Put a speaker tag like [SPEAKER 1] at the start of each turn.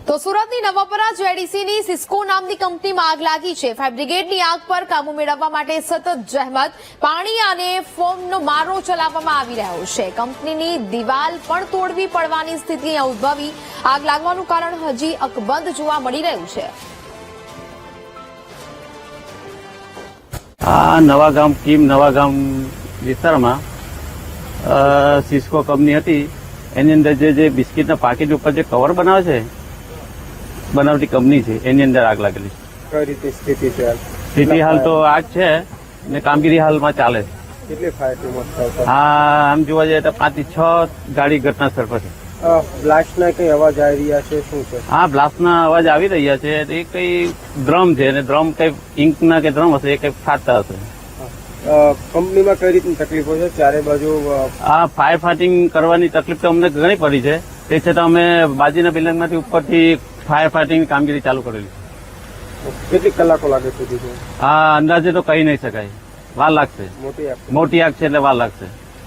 [SPEAKER 1] તો સુરતની નવાપરા જેડીસીની સિસ્કો નામની કંપનીમાં આગ લાગી છે। ફાયર બ્રિગેડની આગ પર કાબુ મેળવવા માટે સતત જહેમત, પાણી અને ફોમનો મારો ચલાવવામાં આવી રહ્યો છે। કંપનીની દિવાલ પણ તોડવી પડવાની સ્થિતિ ઉદ્ભવી। આગ લાગવાનું કારણ હજી અકબંધ જોવા મળી રહ્યું છે।
[SPEAKER 2] આ નવાગામ નવાગામ વિસ્તારમાં સિસ્કો કંપની હતી। એની અંદર જે બિસ્કિટના પાકીટ ઉપર જે કવર બનાવે છે, બનાવટી કંપની છે, એની અંદર આગ લાગેલી છે।
[SPEAKER 3] કઈ રીતે સ્થિતિ છે?
[SPEAKER 2] સ્થિતિ હાલ તો આગ છે ને કામગીરી હાલમાં ચાલે છે।
[SPEAKER 3] કેટલી ફાયર ટીમો છે?
[SPEAKER 2] આમ જોવા જઈએ તો 5 થી 6 ગાડી ઘટના સ્થળ પર છે।
[SPEAKER 3] બ્લાસ્ટના કઈ અવાજ આવી રહ્યા છે? શું છે?
[SPEAKER 2] હા, બ્લાસ્ટના અવાજ આવી રહ્યા છે। એ કઈ ડ્રમ છે અને ડ્રમ કઈ ઇંકના કે ડ્રમ હશે, એ કઈ ફાટતા હશે।
[SPEAKER 3] કંપનીમાં કઈ રીતની તકલીફો છે? ચારે બાજુ
[SPEAKER 2] આ ફાયર ફાઇટિંગ કરવાની તકલીફ તો અમને ઘણી પડી છે। તે છતાં અમે બાજુના બિલ્ડિંગમાંથી ઉપરથી ફાયર ફાઇટિંગની કામગીરી ચાલુ કરેલી છે।
[SPEAKER 3] કેટલી કલાકો લાગે સુધી?
[SPEAKER 2] આ અંદાજે તો કહી નહીં શકાય, વાર લાગશે।
[SPEAKER 3] મોટી આગ
[SPEAKER 2] મોટી આગ છે એટલે વાર લાગશે।